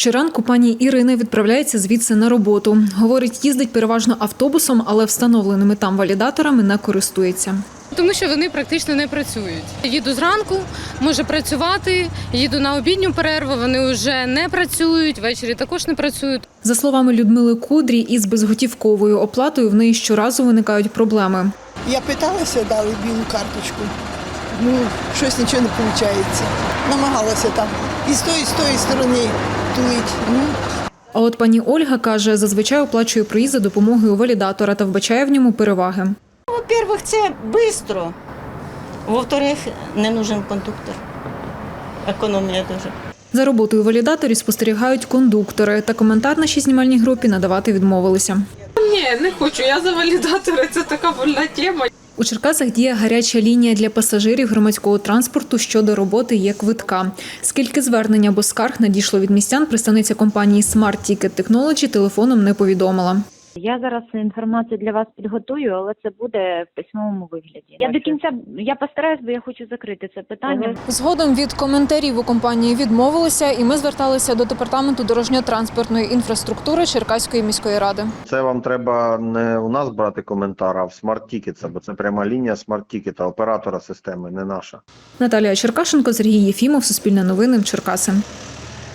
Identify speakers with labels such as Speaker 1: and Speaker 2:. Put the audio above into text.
Speaker 1: Щоранку пані Ірина відправляється звідси на роботу. Говорить, їздить переважно автобусом, але встановленими там валідаторами не користується.
Speaker 2: Тому що вони практично не працюють. Їду зранку, можу працювати, їду на обідню перерву, вони вже не працюють, ввечері також не працюють.
Speaker 1: За словами Людмили Кудрі, із безготівковою оплатою в неї щоразу виникають проблеми.
Speaker 3: Я питалася, дали білу карточку. Щось нічого не виходить. Намагалася там і з тої сторони тулить.
Speaker 1: А от пані Ольга каже, зазвичай оплачує проїзд за допомогою валідатора та вбачає в ньому переваги.
Speaker 4: Во-первых, це швидко. Во-вторых, не нужен кондуктор. Економія дуже.
Speaker 1: За роботою валідаторів спостерігають кондуктори. Та коментар нашій знімальній групі надавати відмовилися.
Speaker 5: Ні, не хочу, я за валідатори, це така больна тема.
Speaker 1: У Черкасах діє гаряча лінія для пасажирів громадського транспорту щодо роботи є-квитка. Скільки звернень або скарг надійшло від містян, представниця компанії Smart Ticket Technology телефоном не повідомила.
Speaker 6: Я зараз інформацію для вас підготую, але це буде в письмовому вигляді. Я до кінця постараюсь, бо я хочу закрити це питання.
Speaker 1: Згодом від коментарів у компанії відмовилися, і ми зверталися до департаменту дорожньо-транспортної інфраструктури Черкаської міської ради.
Speaker 7: Це вам треба не у нас брати коментар, а в Smart Ticket, бо це пряма лінія Smart Ticket, оператора системи, не наша.
Speaker 1: Наталія Черкашенко, Сергій Єфімов, Суспільне новини, Черкаси.